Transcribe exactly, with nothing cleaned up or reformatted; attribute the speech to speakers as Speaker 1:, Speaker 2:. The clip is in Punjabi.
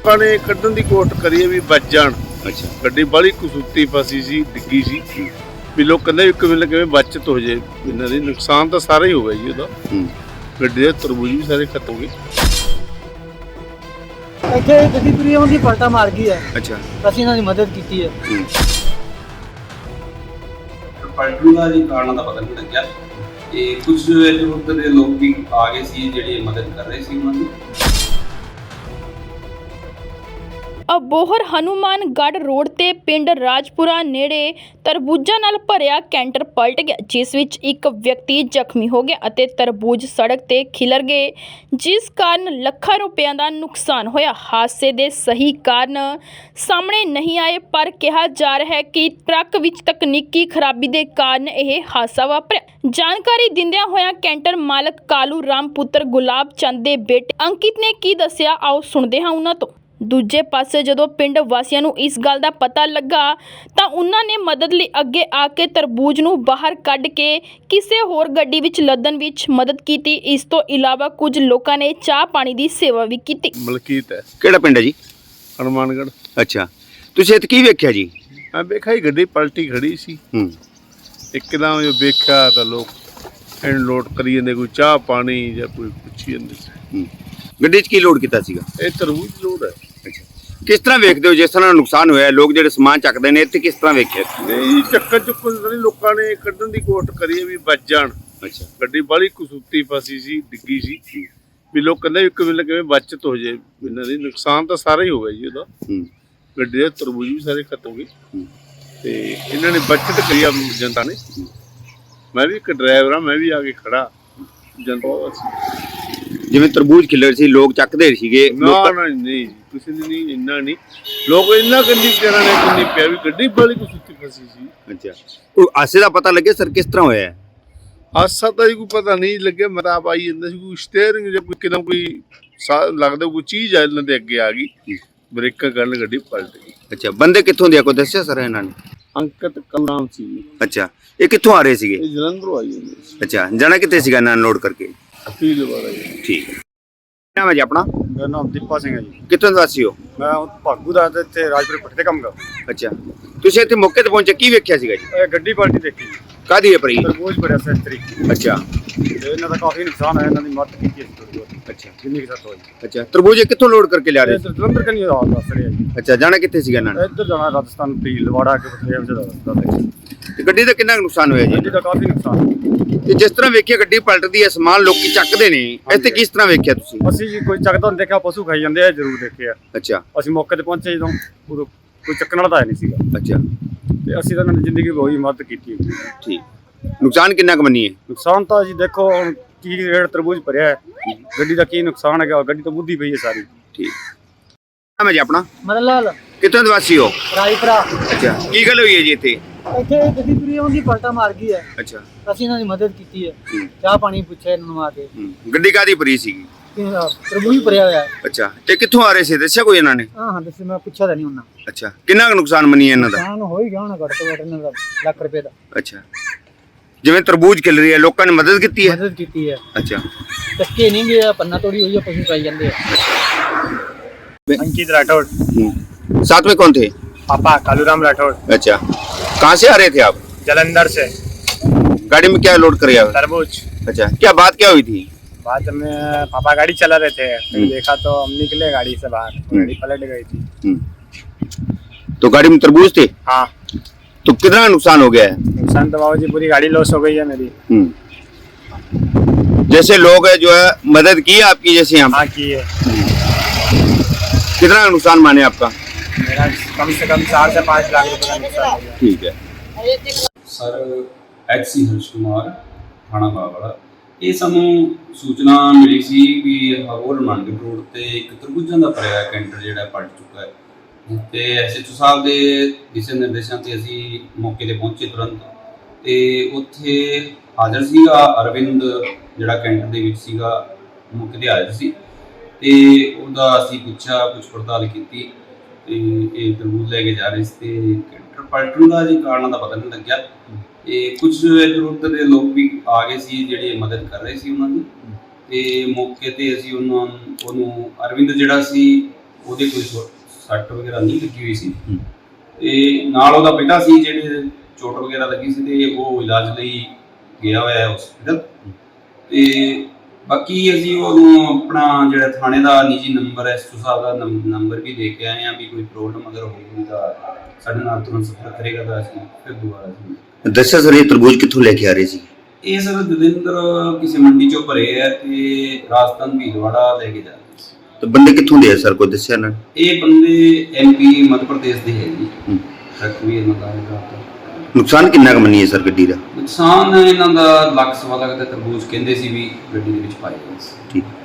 Speaker 1: ਲੋਕਾਂ ਨੇ ਕੱਢਣ ਦੀ ਕੋਸ਼ਿਸ਼ ਕਰੀ ਵੀ ਬਚ ਜਾਣ।
Speaker 2: ਅੱਛਾ,
Speaker 1: ਗੱਡੀ ਬਾਹਲੀ ਕਸੂਤੀ ਫਸੀ ਸੀ, ਡਿੱਗੀ ਸੀ ਵੀ ਲੋਕ ਕਹਿੰਦੇ ਵੀ ਕਿਵੇਂ ਨਾ ਕਿਵੇਂ ਬਚਤ ਹੋ ਜਾਏ। ਇਹਨਾਂ ਦੀ ਨੁਕਸਾਨ ਤਾਂ ਸਾਰਾ ਹੀ ਹੋ ਗਿਆ ਜੀ ਉਹਦਾ। ਗੱਡੀ ਦੇ ਤਰਬੂਜ ਵੀ ਸਾਰੇ ਖਤਮ ਹੋ ਗਏ।
Speaker 3: ਇੱਥੇ ਗੱਡੀ ਪੂਰੀ ਆਉਂਦੀ ਪਲਟਾ ਮਾਰ ਗਈ ਹੈ।
Speaker 2: ਅੱਛਾ,
Speaker 3: ਅਸੀਂ ਇਹਨਾਂ ਦੀ ਮਦਦ ਕੀਤੀ ਹੈ।
Speaker 4: ਪਲਟਣ ਦਾ ਜੀ ਕਾਰਨ ਦਾ ਪਤਾ ਨਹੀਂ ਲੱਗਿਆ। ਤੇ ਕੁਝ ਇੱਧਰ ਉੱਧਰ ਦੇ ਲੋਕ ਵੀ ਆ ਗਏ ਸੀ ਜਿਹੜੇ ਮਦਦ ਕਰ ਰਹੇ ਸੀ ਉਹਨਾਂ ਦੀ।
Speaker 5: ਅਬੋਹਰ ਹਨੂਮਾਨਗੜ੍ਹ ਰੋਡ ਤੇ ਪਿੰਡ ਰਾਜਪੁਰਾ ਨੇੜੇ ਤਰਬੂਜਾਂ ਨਾਲ ਭਰਿਆ ਕੈਂਟਰ ਪਲਟ ਗਿਆ, ਜਿਸ ਵਿੱਚ ਇੱਕ ਵਿਅਕਤੀ ਜ਼ਖਮੀ ਹੋ ਗਿਆ ਅਤੇ ਤਰਬੂਜ ਸੜਕ ਤੇ ਖਿਲਰ ਗਏ, ਜਿਸ ਕਾਰਨ ਲੱਖਾਂ ਰੁਪਇਆਂ ਦਾ ਨੁਕਸਾਨ ਹੋਇਆ। ਹਾਦਸੇ ਦੇ ਸਹੀ ਕਾਰਨ ਸਾਹਮਣੇ ਨਹੀਂ ਆਏ, ਪਰ ਕਿਹਾ ਜਾ ਰਿਹਾ ਹੈ ਕਿ ਟਰੱਕ ਵਿੱਚ ਤਕਨੀਕੀ ਖਰਾਬੀ ਦੇ ਕਾਰਨ ਇਹ ਹਾਦਸਾ ਵਾਪਰਿਆ। ਜਾਣਕਾਰੀ ਦਿੰਦਿਆਂ ਹੋਇਆਂ ਕੈਂਟਰ ਮਾਲਕ ਕਾਲੂ ਰਾਮ ਪੁੱਤਰ ਗੁਲਾਬ ਚੰਦ ਦੇ ਬੇਟੇ ਅੰਕਿਤ ਨੇ ਕੀ ਦੱਸਿਆ, ਆਓ ਸੁਣਦੇ ਹਾਂ ਉਹਨਾਂ ਤੋਂ। ਦੂਜੇ ਪਾਸੇ ਜਦੋਂ ਪਿੰਡ ਵਾਸੀਆਂ ਨੂੰ ਇਸ ਗੱਲ ਦਾ ਪਤਾ ਲੱਗਾ ਤਾਂ ਉਹਨਾਂ ਨੇ ਮਦਦ ਲਈ ਅੱਗੇ ਆ ਕੇ ਤਰਬੂਜ ਨੂੰ ਬਾਹਰ ਕੱਢ ਕੇ ਕਿਸੇ ਹੋਰ ਗੱਡੀ ਵਿੱਚ ਲੱਦਣ ਵਿੱਚ ਮਦਦ ਕੀਤੀ। ਇਸ ਤੋਂ ਇਲਾਵਾ ਕੁਝ ਲੋਕਾਂ ਨੇ ਚਾਹ ਪਾਣੀ ਦੀ ਸੇਵਾ ਵੀ ਕੀਤੀ।
Speaker 1: ਮਲਕੀਤ ਹੈ।
Speaker 2: ਕਿਹੜਾ ਪਿੰਡ ਹੈ ਜੀ?
Speaker 1: ਹਨੂਮਾਨਗੜ੍ਹ।
Speaker 2: ਅੱਛਾ, ਤੁਸੀਂ ਇੱਥੇ ਕੀ ਵੇਖਿਆ ਜੀ?
Speaker 1: ਮੈਂ ਵੇਖਿਆ ਹੀ ਗੱਡੀ ਪਲਟੀ ਖੜੀ ਸੀ।
Speaker 2: ਹੂੰ,
Speaker 1: ਇੱਕਦਮ ਜੋ ਵੇਖਿਆ ਤਾਂ ਲੋਕ ਇਹਨੂੰ ਲੋਡ ਕਰੀ ਜਾਂਦੇ, ਕੋਈ ਚਾਹ ਪਾਣੀ ਜਾਂ ਕੋਈ ਪੁੱਛੀ ਜਾਂਦੇ ਸੀ।
Speaker 2: ਹੂੰ, ਗੱਡੀ 'ਚ ਕੀ ਲੋਡ ਕੀਤਾ ਸੀਗਾ?
Speaker 1: ਇਹ ਤਰਬੂਜ ਲੋਡ ਹੈ।
Speaker 2: ਅੱਛਾ, ਕਿਸ ਤਰ੍ਹਾਂ ਵੇਖਦੇ ਹੋ ਜਿਸ ਤਰ੍ਹਾਂ ਨੁਕਸਾਨ ਹੋਇਆ? ਲੋਕ ਜਿਹੜੇ ਸਮਾਨ ਚੱਕਦੇ ਨੇ ਇੱਥੇ ਕਿਸ ਤਰ੍ਹਾਂ ਵੇਖਿਆ?
Speaker 1: ਨਹੀਂ, ਚੱਕਰ ਚੁੱਕਣ ਨਹੀਂ, ਲੋਕਾਂ ਨੇ ਕੱਢਣ ਦੀ ਕੋਸ਼ਿਸ਼ ਕਰੀ ਵੀ ਬਚ ਜਾਣ।
Speaker 2: ਅੱਛਾ,
Speaker 1: ਗੱਡੀ ਬਾਹਲੀ ਕਸੂਤੀ ਫਸੀ ਸੀ, ਡਿੱਗੀ ਸੀ ਵੀ ਲੋਕ ਕਹਿੰਦੇ ਵੀ ਕਿਵੇਂ ਨਾ ਕਿਵੇਂ ਬਚਤ ਹੋ ਜਾਏ। ਇਹਨਾਂ ਦੀ ਨੁਕਸਾਨ ਤਾਂ ਸਾਰਾ ਹੀ ਹੋ ਗਿਆ ਜੀ ਉਹਦਾ। ਗੱਡੀ ਦੇ ਤਰਬੂਜ ਵੀ ਸਾਰੇ ਖਤਮ ਹੋ ਗਏ ਤੇ ਇਹਨਾਂ ਨੇ ਬਚਤ ਕਰੀ ਆ ਜਨਤਾ ਨੇ। ਮੈਂ ਵੀ ਇੱਕ ਡਰਾਈਵਰ ਹਾਂ, ਮੈਂ ਵੀ ਆ ਕੇ ਖੜਾ ਜਨਤਾ।
Speaker 2: ਜਿਵੇਂ ਤਰਬੂਜ ਖਿਲਰ ਸੀ, ਲੋਕ ਚੱਕਦੇ ਸੀਗੇ।
Speaker 1: ਨਾ ਨਾ ਨਹੀਂ, ਕਿਸੇ ਨੇ ਨਹੀਂ, ਇੰਨਾ ਨਹੀਂ। ਲੋਕ ਇੰਨਾ ਕੰਨੀ ਕਹਿਣਾ ਨੇ ਕਿੰਨੀ ਪਿਆ ਵੀ ਗੱਡੀ ਬਾਹਲੀ ਕਸੂਤੀ ਫਸੀ ਸੀ।
Speaker 2: ਅੱਛਾ, ਕੋਈ ਹਾਸੇ ਦਾ ਪਤਾ ਲੱਗਿਆ ਸਰ ਕਿਸ ਤਰ੍ਹਾਂ ਹੋਇਆ?
Speaker 1: ਹਾਸਾ ਤਾਂ ਜੀ ਕੋਈ ਪਤਾ ਨਹੀਂ ਲੱਗਿਆ। ਮੈਂ ਤਾਂ ਆਪ ਆਈ ਜਾਂਦਾ ਸੀ, ਕੋਈ ਸਟੀਅਰਿੰਗ ਜਾਂ ਕੋਈ ਕਿਦਾਂ ਕੋਈ ਲੱਗਦਾ ਕੋਈ ਚੀਜ਼ ਆ ਇਹਨਾਂ ਦੇ ਅੱਗੇ ਆ ਗਈ, ਬ੍ਰੇਕਾਂ ਕਰਨ ਗੱਡੀ ਪਲਟ ਗਈ।
Speaker 2: ਅੱਛਾ, ਬੰਦੇ ਕਿੱਥੋਂ ਦੇ ਆ ਕੋਈ ਦੱਸਿਆ ਸਰ ਇਹਨਾਂ ਨੇ?
Speaker 1: ਅੰਕਿਤ ਕਲਰਾਮ ਸੀ।
Speaker 2: ਅੱਛਾ, ਇਹ ਕਿੱਥੋਂ ਆ ਰਹੇ ਸੀਗੇ?
Speaker 1: ਇਹ ਜਲੰਧਰੋਂ ਆਈ ਜਾਂਦੇ ਸੀ।
Speaker 2: ਅੱਛਾ, ਜਾਣਾ ਕਿੱਥੇ ਸੀਗਾ ਇਹਨਾਂ ਨੇ ਲੋਡ ਕਰਕੇ?
Speaker 1: ਅਪੀਲ ਵਾਲਾ ਜੀ।
Speaker 2: ਠੀਕ ਹੈ। ਨਾਮ ਹੈ ਜੀ ਆਪਣਾ?
Speaker 6: ਮੇਰਾ ਨਾਮ ਦੀਪਾ ਸਿੰਘ ਹੈ ਜੀ।
Speaker 2: ਕਿੱਥੋਂ ਦੇ ਵਾਸੀ ਹੋ?
Speaker 6: ਮੈਂ ਭਾਗੂ ਦਾ ਇੱਥੇ ਰਾਜਪੁਰ ਪੱਟੀ ਤੇ ਕੰਮ ਕਰਦਾ।
Speaker 2: ਅੱਛਾ, ਤੁਸੀਂ ਇੱਥੇ ਮੌਕੇ ਤੇ ਪਹੁੰਚੇ, ਕੀ ਵੇਖਿਆ ਸੀਗਾ ਜੀ?
Speaker 6: ਇਹ ਗੱਡੀ ਪਲਟੀ ਦੇਖੀ,
Speaker 2: ਕਾਹਦੀ ਹੈ ਪਰੀ?
Speaker 6: ਤਰਬੂਜ ਭਰਿਆ ਸੈਂਚਰੀ।
Speaker 2: ਅੱਛਾ,
Speaker 6: ਤੇ ਇਹਨਾਂ ਦਾ ਕਾਫੀ ਨੁਕਸਾਨ ਹੋਇਆ, ਇਹਨਾਂ ਦੀ ਮਦਦ ਕੀਤੀ ਅਸੀਂ ਥੋੜੀ ਬਹੁਤ।
Speaker 2: ਅੱਛਾ,
Speaker 6: ਜਿੰਨੀ ਕਿ ਸੱਤ ਹੋਈ।
Speaker 2: ਅੱਛਾ, ਤਰਬੂਜ ਕਿੱਥੋਂ ਲੋਡ ਕਰਕੇ ਲਿਆ ਰਹੇ ਸੀ?
Speaker 6: ਇੱਧਰ ਜਲੰਧਰ ਕਨੀ ਰਾਤ ਦੱਸ ਰਹੇ ਆ ਜੀ।
Speaker 2: ਅੱਛਾ, ਜਾਣਾ ਕਿੱਥੇ ਸੀਗਾ ਇਹਨਾਂ ਨੇ?
Speaker 6: ਇੱਧਰ ਜਾਣਾ ਰਾਜਸਥਾਨ ਪੀ ਲਵਾੜਾ ਕੇ ਬਥੇਰੇ ਵਜੇ ਦਾ ਰਸਤਾ ਹੈ।
Speaker 2: ਤੇ ਗੱਡੀ ਦਾ ਕਿੰਨਾ ਕੁ ਨੁਕਸਾਨ ਹੋਇਆ ਜੀ?
Speaker 6: ਗੱਡੀ ਦਾ ਕਾਫੀ ਨੁਕਸਾਨ।
Speaker 2: ਤੇ ਜਿਸ ਤਰ੍ਹਾਂ ਵੇਖਿਆ ਗੱਡੀ ਪਲਟਦੀ ਹੈ, ਸਮਾਨ ਲੋਕੀ ਚੱਕਦੇ ਨੇ, ਇੱਥੇ ਕਿਸ ਤਰ੍ਹਾਂ ਵੇਖਿਆ ਤੁਸੀਂ?
Speaker 6: ਅਸੀਂ ਜੀ ਕੋਈ ਚੱਕਦਾ ਨਹੀਂ ਦੇਖਿਆ, ਪਸ਼ੂ ਖਾਈ ਜਾਂਦੇ ਆ ਜ਼ਰੂਰ ਦੇਖਿਆ।
Speaker 2: ਅੱਛਾ,
Speaker 6: ਅਸੀਂ ਮੌਕੇ ਤੇ ਪਹੁੰਚੇ ਜਦੋਂ, ਉਦੋਂ ਕੋਈ ਚੱਕਣ ਵਾਲਾ ਤਾਂ ਨਹੀਂ ਸੀਗਾ।
Speaker 2: ਅੱਛਾ,
Speaker 6: ਤੇ ਅਸੀਂ ਤਾਂ ਇਹਨਾਂ ਦੀ ਜ਼ਿੰਦਗੀ ਹੋਈ ਮਦਦ ਕੀਤੀ।
Speaker 2: ਠੀਕ। ਨੁਕਸਾਨ ਕਿੰਨਾ ਕੁ ਮੰਨੀਏ?
Speaker 6: ਨੁਕਸਾਨ ਤਾਂ ਜੀ ਦੇਖੋ ਹੁਣ ਕੀ ਰੇਟ ਤਰਬੂਜ ਭਰਿਆ ਹੈ, ਗੱਡੀ ਦਾ ਕੀ ਨੁਕਸਾਨ ਹੈਗਾ, ਗੱਡੀ ਤਾਂ ਬੁੱਧੀ ਪਈ ਹੈ ਸਾਰੀ।
Speaker 2: ਠੀਕ। ਨਾਮ ਹੈ ਜੀ ਆਪਣਾ?
Speaker 3: ਮਦਨ ਲਾਲ
Speaker 2: ਕਿੱਥੋਂ ਦੇ ਵਾਸੀ ਹੋ?
Speaker 3: ਰਾਜਪੁਰਾ।
Speaker 2: ਅੱਛਾ, ਕੀ ਗੱਲ ਹੋਈ ਹੈ ਜੀ ਇੱਥੇ?
Speaker 3: ਇੱਥੇ ਗੱਡੀ ਪੂਰੀ ਆਉਂਦੀ ਪਲਟਾ ਮਾਰ ਗਈ ਹੈ।
Speaker 2: ਅੱਛਾ,
Speaker 3: ਅਸੀਂ ਇਹਨਾਂ ਦੀ ਮਦਦ ਕੀਤੀ ਹੈ। ਚਾਹ ਪਾਣੀ ਪੁੱਛਿਆ ਇਹਨਾਂ ਨੂੰ ਆ ਕੇ।
Speaker 2: ਗੱਡੀ ਕਾਹਦੀ ਭਰੀ ਸੀਗੀ?
Speaker 3: ਤਰਬੂਜ ਭਰਿਆ ਹੋਇਆ ਹੈ।
Speaker 2: ਅੱਛਾ, ਤੇ ਕਿੱਥੋਂ ਆ ਰਹੇ ਸੀ ਦੱਸਿਆ ਕੋਈ ਇਹਨਾਂ ਨੇ?
Speaker 3: ਹਾਂ ਹਾਂ ਦੱਸੇ, ਮੈਂ ਪੁੱਛਿਆ ਤਾਂ ਨਹੀਂ ਉਹਨਾਂ।
Speaker 2: ਅੱਛਾ, ਕਿੰਨਾ ਕੁ ਨੁਕਸਾਨ ਮੰਨੀਏ ਇਹਨਾਂ ਦਾ?
Speaker 3: ਨੁਕਸਾਨ ਹੋ ਹੀ ਗਿਆ ਹੋਣਾ ਘੱਟ ਤੋਂ ਘੱਟ ਇਹਨਾਂ ਦਾ ਲੱਖ ਰੁਪਏ ਦਾ।
Speaker 2: ਅੱਛਾ, ਜਿਵੇਂ ਤਰਬੂਜ ਖਿਲ ਰਹੀ ਹੈ, ਲੋਕਾਂ ਨੇ ਮਦਦ ਕੀਤੀ ਹੈ?
Speaker 3: ਮਦਦ ਕੀਤੀ ਹੈ।
Speaker 2: ਅੱਛਾ,
Speaker 3: ਚੱਕੇ ਨਹੀਂ ਗਿਆ, ਪੰਨਾ ਤੋੜੀ ਹੋਈ ਹੈ, ਪਸ਼ੂ ਖਾਈ ਜਾਂਦੇ ਆ।
Speaker 6: अंकित राठौड़।
Speaker 2: साथ में कौन थे?
Speaker 6: पापा कालूराम राठौड़।
Speaker 2: अच्छा, कहाँ से आ रहे थे आप?
Speaker 6: जलंधर से।
Speaker 2: गाड़ी में क्या लोड कर
Speaker 6: तरबूज।
Speaker 2: अच्छा, क्या बात क्या हुई थी?
Speaker 6: बाद में पापा गाड़ी चला रहे थे, फिर देखा तो हम निकले गाड़ी से बाहर, गाड़ी पलट गई थी।
Speaker 2: तो गाड़ी में तरबूज थे?
Speaker 6: हाँ।
Speaker 2: तो कितना नुकसान हो गया है?
Speaker 6: नुकसान तो बाबूजी पूरी गाड़ी लॉस हो गई है मेरी।
Speaker 2: जैसे लोग है जो है मदद की है आपकी, जैसे हम?
Speaker 6: हाँ की है।
Speaker 2: कितना नुकसान माने आपका?
Speaker 6: मेरा कम से कम चार से पाँच लाख रुपए का नुकसान हो गया।
Speaker 2: ठीक है।
Speaker 4: Sir H C Harsh Kumar, ਥਾਣਾ ਬਾਵਲਾ। ਇਹ ਸਾਨੂੰ ਸੂਚਨਾ ਮਿਲੀ ਸੀ ਵੀ ਹਰੋਲ ਹਨੂਮਾਨਗੜ੍ਹ ਰੋਡ ਤੇ ਇੱਕ ਤਰਬੂਜਾਂ ਦਾ ਭਰਿਆ ਕੈਂਟਰ ਜਿਹੜਾ ਪਲਟ ਚੁੱਕਾ ਹੈ। ਤੇ ਐਸ ਐਚ ਓ ਸਾਹਿਬ ਦੇ ਦਿਸ਼ਾ ਨਿਰਦੇਸ਼ਾਂ ਤੇ ਅਸੀਂ ਮੌਕੇ ਤੇ ਪਹੁੰਚੇ ਤੁਰੰਤ, ਤੇ ਉੱਥੇ ਹਾਜ਼ਰ ਸੀਗਾ ਅਰਵਿੰਦ, ਜਿਹੜਾ ਕੈਂਟਰ ਦੇ ਵਿੱਚ ਸੀਗਾ, ਮੌਕੇ ਤੇ ਹਾਜ਼ਰ ਸੀ। ਤੇ ਉਹਦਾ ਅਸੀਂ ਪੁੱਛਿਆ, ਪੁੱਛ ਪੜਤਾਲ ਕੀਤੀ, ਤੇ ਇਹ ਤਰਬੂਜ ਲੈ ਕੇ ਜਾ ਰਹੇ ਸੀ ਤੇ ਕੈਂਟਰ ਪਲਟਣ ਦਾ ਜੀ ਕਾਰਨ ਦਾ ਪਤਾ ਨਹੀਂ ਲੱਗਿਆ। ਤੇ ਕੁਝ ਇੱਧਰ ਉੱਧਰ ਦੇ ਲੋਕ ਵੀ ਆ ਗਏ ਸੀ ਜਿਹੜੇ ਮਦਦ ਕਰ ਰਹੇ ਸੀ ਉਹਨਾਂ ਦੀ। ਤੇ ਮੌਕੇ ਤੇ ਅਸੀਂ ਉਹਨਾਂ ਉਹਨੂੰ ਅਰਵਿੰਦ ਜਿਹੜਾ ਸੀ ਉਹਦੇ ਕੋਈ ਸੋ- ਸੱਟ ਵਗੈਰਾ ਨਹੀਂ ਲੱਗੀ ਹੋਈ ਸੀ ਤੇ ਨਾਲ ਉਹਦਾ ਬੇਟਾ ਸੀ ਜਿਹੜੇ ਚੋਟ ਵਗੈਰਾ ਲੱਗੀ ਸੀ ਤੇ ਉਹ ਇਲਾਜ ਲਈ ਗਿਆ ਹੋਇਆ ਹੈ ਹਸਪੀਟਲ। ਤੇ ਬਾਕੀ ਅਸੀਂ ਉਹਨੂੰ ਆਪਣਾ ਜਿਹੜਾ ਥਾਣੇ ਦਾ ਨਿੱਜੀ ਨੰਬਰ ਐਸ ਓ ਸਾਹਿਬ ਦਾ ਨੰਬ- ਨੰਬਰ ਵੀ ਦੇ ਕੇ ਆਏ ਆ ਵੀ ਕੋਈ ਪ੍ਰੋਬਲਮ ਅਗਰ ਹੋਊਗੀ ਤਾਂ ਸਾਡੇ ਨਾਲ ਤੁਰੰਤ ਸੰਪਰਕ ਕਰੇਗਾ ਤਾਂ ਅਸੀਂ ਫਿਰ ਦੁਬਾਰਾ ਅਸੀਂ
Speaker 2: ਦੱਸਿਆ ਸਰ ਇਹ ਤਰਬੂਜ ਕਿੱਥੋਂ ਲੈ ਕੇ ਆ ਰਹੇ ਸੀ?
Speaker 4: ਇਹ ਸਰ ਜਲੰਧਰ ਕਿਸੇ ਮੰਡੀ ਚੋਂ ਭਰੇ ਹੈ ਤੇ ਰਾਜਸਥਾਨ ਭੀਲਵਾੜਾ ਲੈ ਕੇ ਜਾ ਰਹੇ ਸੀ।
Speaker 2: ਤੇ ਬੰਦੇ ਕਿੱਥੋਂ ਦੇ ਆ ਸਰ, ਕੋਈ ਦੱਸਿਆ ਨਾ?
Speaker 4: ਇਹ ਬੰਦੇ ਐਮ ਪੀ ਮੱਧ ਪ੍ਰਦੇਸ਼ ਦੇ ਹੈ ਜੀ। ਟਰੱਕ ਵੀ ਇਹਨਾਂ ਦਾ ਹੈਗਾ।
Speaker 2: ਨੁਕਸਾਨ ਕਿੰਨਾ ਕੁ ਮੰਨੀਏ ਸਰ ਗੱਡੀ ਦਾ?
Speaker 4: ਨੁਕਸਾਨ ਇਹਨਾਂ ਦਾ ਲੱਖ ਸਵਾ ਲੱਖ ਦਾ ਤਰਬੂਜ ਕਹਿੰਦੇ ਸੀ ਵੀ ਗੱਡੀ ਦੇ ਵਿੱਚ ਪਾਇਆ ਗਿਆ ਸੀ।
Speaker 2: ਠੀਕ।